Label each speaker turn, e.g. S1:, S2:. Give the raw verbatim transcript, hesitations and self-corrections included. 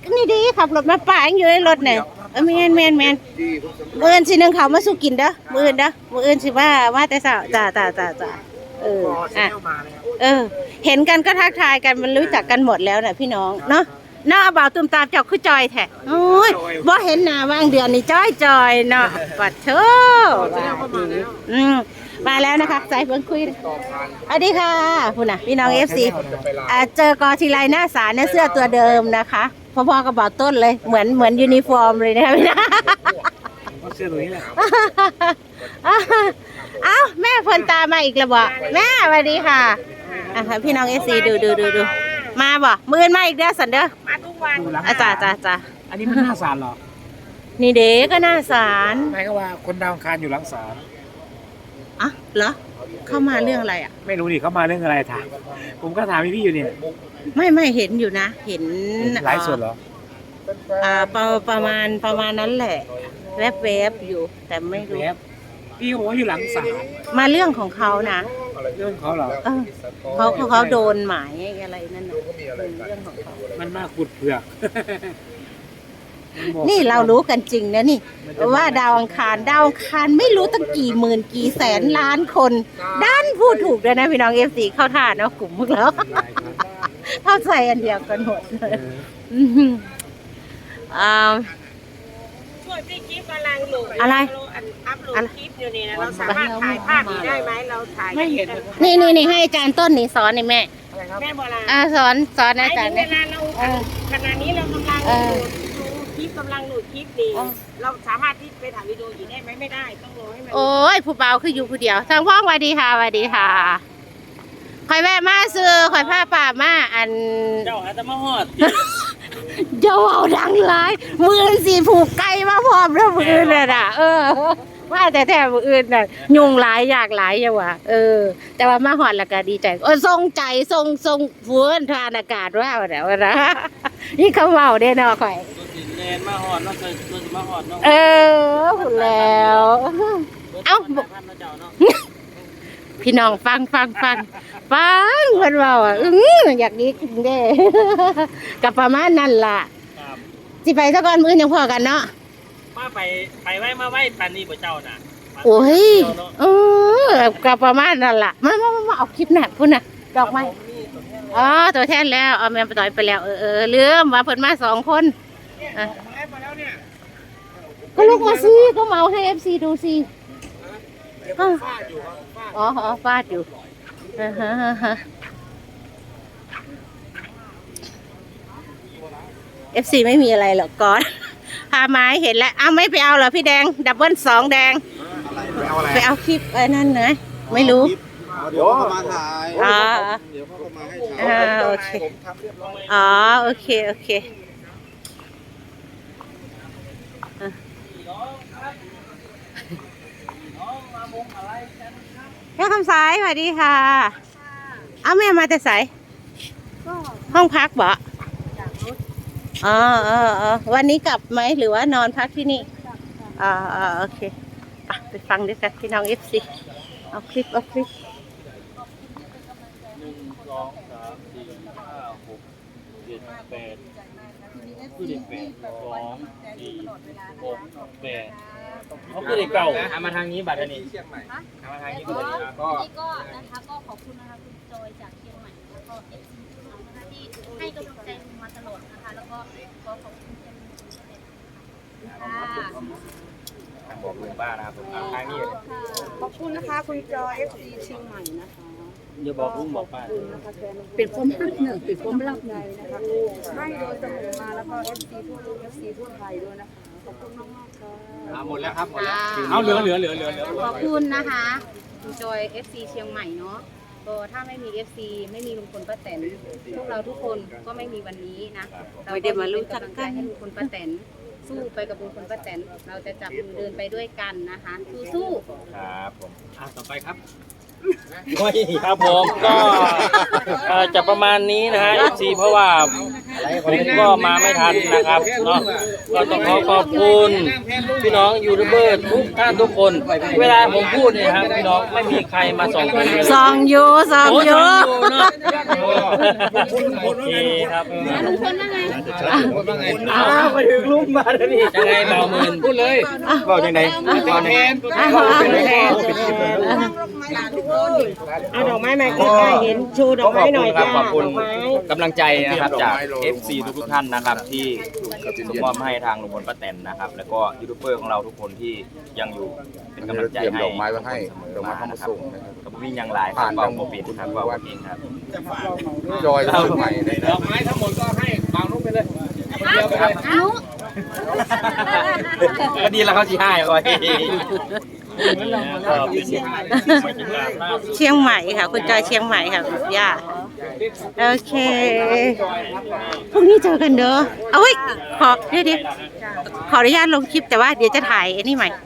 S1: นี่ดีขับรถมาป่าอยู่ในรถเนี่ยเออแมนแมนแมนมืออื่นสินึงเขามาสู้กินเด้อมืออื่นเด้อมืออื่นสิว่าว่าแต่สาวจ้าจ้าจ้าจ้าเอออ่ะเออเห็นกันก็ทักทายกันมันรู้จักกันหมดแล้วน่ะพี่น้องเนาะเนาะบ่าวตุ้มตามเจ้าคือจอยแท้โอ้ยบ่เห็นหน้าว่างเดือนนี่จอยจอยเนาะปัดเถอะอืมมาแล้วนะคะใส่เพิ่งคุยสวัสดีค่ะคุณน่ะพี่น้องเอฟซีเจอกอทีไรหน้าสารเนี่ยเสื้อตัวเดิมนะคะพอๆกับบ่าวต้นเลยเหมือนเหมือนยูนิฟอร์มเลยนะคะพี่นะ
S2: เสื้อตัวนี้แหละ
S1: เอ้าแม่พลตามาอีกแล้วบ่แม่สวัสดีค่ะอ่ะพี่น้องเอฟซีดูดูดูดูมาบ่มือมาอีกเด้อสันเด้อ
S3: มาทุกวัน
S1: อาจารย์จ้าจ้า
S2: อันนี้มันหน้าศาลเหรอ
S1: นี่เด็กก็หน้าศาล
S2: หมายก็ว่าคนดาวคารอยู่หลังศาล
S1: อ่ะเหรอเข้ามาเรื่องอะไรอ่ะ
S2: ไม่รู้ดิเขามาเรื่องอะไรถามผมก็ถามพี่ๆอยู่เนี่ย
S1: ไม่ไม่เห็นอยู่นะเห็น
S2: ไลฟ์สดเหรอ
S1: อ่าประประมาณประมาณนั้นแหละแวบๆอยู่แต่ไม่รู้
S2: พี่บอกว่าอยู่หลังศาล
S1: มาเรื่องของเขานะ
S2: เรื่องเขาเหรอ
S1: เออเขาเขาโดนหมายอะไรนั่นน่ะเรื่องของเขา
S2: มันมาขุดเผือก
S1: นี่เรารู้กันจริงนะนี่ว่าดาวอังคารดาวอังคารไม่รู้ตั้งกี่หมื่นกี่แสนล้านคนด้านพูดถูกเลยนะพี่น้องเอฟซีเข้าท่าเนาะกลุ่มพวกเราเข้าใจอันเดียวกันหมดเลยอ่า
S3: ช่วยพี่กิ๊ฟกำลังโหลด
S1: อะไร
S3: อัพโหลดคลิปอยู่นี่นะเราสามารถถ่ายภาพนี้ได้ไหมเราถ่าย
S2: ไม่เห็น
S1: นี่นี่นี่ให้อาจารย์ต้นนี่สอนนี่แม่
S3: แม่โบราณ
S1: อ่าสอนสอนอาจารย์
S3: เนี่ยเวลาเราขณะนี้เรากำลังโหลดคลิปกำลังโหลดคลิปดีเราสามารถที่ไปถ่ายวิดีโออีกได้ไหมไม่ได้ต้องรอให้มัน
S1: โอ้ยผู้เบาคืออยู่ผู้เดียวทางพ่อสวัสดีค่ะสวัสดีค่ะคอยแวะมาซื้อคอยผ้าป่ามาอัน
S2: เจ้าอาจจะมาหอด
S1: เจ้าเอาดังร้ายมือสีผูกไก่มาพร้อมแล้วมือเลยน่ะเออว่าแต่แท้มืออื่นน่ะยุงหลายอยากหลายอย่างวะเออแต่ว่ามาหอดแล้วก็ดีใจเออทรงใจทรงทรงฟื้นทานอากาศว่าเดี๋ยวนะนี่เขาเมาได้เนาะข่อย
S2: แนนมาหอดเนาะเคยเคยมาหอดเนาะ
S1: เออพูดแล้วเอ้าพี่น้องฟังฟังฟังฟังเพื่อนเราอ่ะอืออยากดีขึ้นเด้กับประมาณนั่นล่ะสิไปสักก่อนมื้อยังพอกันเนาะ
S2: มาไปไปไว้มาไว้ปานนี้บ่เจ้าน่ะ
S1: โอ้ยเออกับประมาณนั่นล่ะมามามาเอาคลิปน่ะพุ่นน่ะดอกไม้อ๋อตัวแทนแล้วเอาแม่ไปต่อยไปแล้วเออเออลืมว่าเพิ่นมาสองคนอ่ะก็ลูกมาสิก็เมาให้ เอฟ ซี ดูสิอ๋ออ๋อฟาดอยู่เอฟซีไม่มีอะไรหรอกก่อนพาไม้เห็นแล้วอ้าวไม่ไปเอาเหรอพี่แดงดับเบิ้ลสองแดงไปเอาคลิปไอ้นั่นนะไม่รู้
S4: เดี๋ยวเขามาถ่าย
S1: อ๋อ
S4: เดี๋ยวเขามาให้
S1: ถ่ายโอเคอ๋อโอเคโอเคแม่คำสายสวัสดีค่ะเอาแม่มาแต่สายห้องพักบ่อ๋ออ๋อวันนี้กลับไหมหรือว่านอนพักที่นี่อ๋ออ๋อโอเคไปฟังด้วยกันพี่น้องเอฟซีเอาคลิปเอาคลิป
S2: หนึ่งสองสามสี่ห้าหกเจ็ดแปดคือเด็กแปดสองสี่หกแปดเขาคือเด็กเก่าทำมาทางนี้บัตรนี้ทำมาทางนี้ก็ก็
S5: ก็นะคะก็ขอบคุณนะคะคุณจอยจากเชียงใหม่แล้วก็เอฟซีทุกท่านนะคะที่ให้กำลังใจมาตลอดนะคะแล้วก็ขอขอบคุณเป็นค่ะ
S2: บอกลุงป้านะครับผมทางนี้
S3: ขอบคุณนะคะคุณจอยเอฟซีเชียงใหม่นะคะ
S2: อย่าบอกลุงบอกป้า
S3: เป็นความรักหนึ่งเป็นความรักในนะคะให้โดยเสมอมาแล้วก็เอฟซีทั่วโลกเอฟซีทั่วไทยด้วยนะคะขอบคุณมากมากค่ะ
S2: หมดแล้วครับหมดแล้วเอาเหลือเหลือเหลือเหลือ
S5: ขอบคุณนะคะคุณจอย เอฟ ซี เชียงใหม่เนาะก็ถ้าไม่มี เอฟ ซี ไม่มีลุงพลป้าแตนพวกเราทุกคนก็ไม่มีวันนี้นะเรา
S1: เดี๋ยวมารู้จักกัน
S5: ให้ลุงพลป้าแตนสู้ไปกับลุงพลป้าแตนเราจะจับมือเดินไปด้วยกันนะคะสู้
S2: ๆครับผมอ่ะต่อไปครับครับผมก็จะประมาณนี้นะฮะ เอฟ ซี เพราะว่าผมก็มาไม่ทันนะครับเนาะก็ต้องขอขอบคุณพี่น้องยูทูบเบอร์ทุกท่านทุกคนเวลาผมพูดเนี่ยครับพี่น้องไม่มีใครมาส่องผมเลย
S1: ส่องอยู่ส่องอยู่
S2: โอเคครับ
S5: ลุงพลว่าไง
S2: อ้าวมาถึงลุงมาแล้วนี่ยังไงเบาหมื่นพูดเลยบอกยังไงตอนแทน
S1: อ่ะเอาแทนเอาดอกไม้มาใกล้ๆเห็นชูดอกไม้หน่อยจ้า
S6: ขอบคุณ
S1: ดอกไม้
S6: กำลังใจนะครับจาก เอฟ ซี ทุกๆท่านนะครับที่ส่งมอบให้ทางลุงพลป้าแตนนะครับ แล้วก็ยูทูบเบอร์ของเราทุกคนที่ยังอยู่เป็นกำลังใจ
S4: เตรียม
S6: ให้
S4: ดอกไม้ไว้ให้ดอกไม้เข้ามาส่งนะครับ
S6: กับวิ่งยังหลายครับเบาโมบิดครับเบาเองครับ
S4: จอยเชียงใหม่เลย
S2: ด
S4: นะ
S2: อกไม้ทั้งหมดก็ให้เบานุ๊กไปเลย
S5: เดี๋ยวครับเอา
S6: ก็ดีแล้วเขาชี้ให้คอย
S1: เชียงใหม่ค่ะ คุณจอยเชียงใหม่ค่ะคุณย่าโอเคพรุ่งนี้เจอกันเด้อเอาไว้ยขอเดี๋ยวเดี๋ยวขออนุญาตลงคลิปแต่ว่าเดี๋ยวจะถ่ายไอ้นี่ใหม่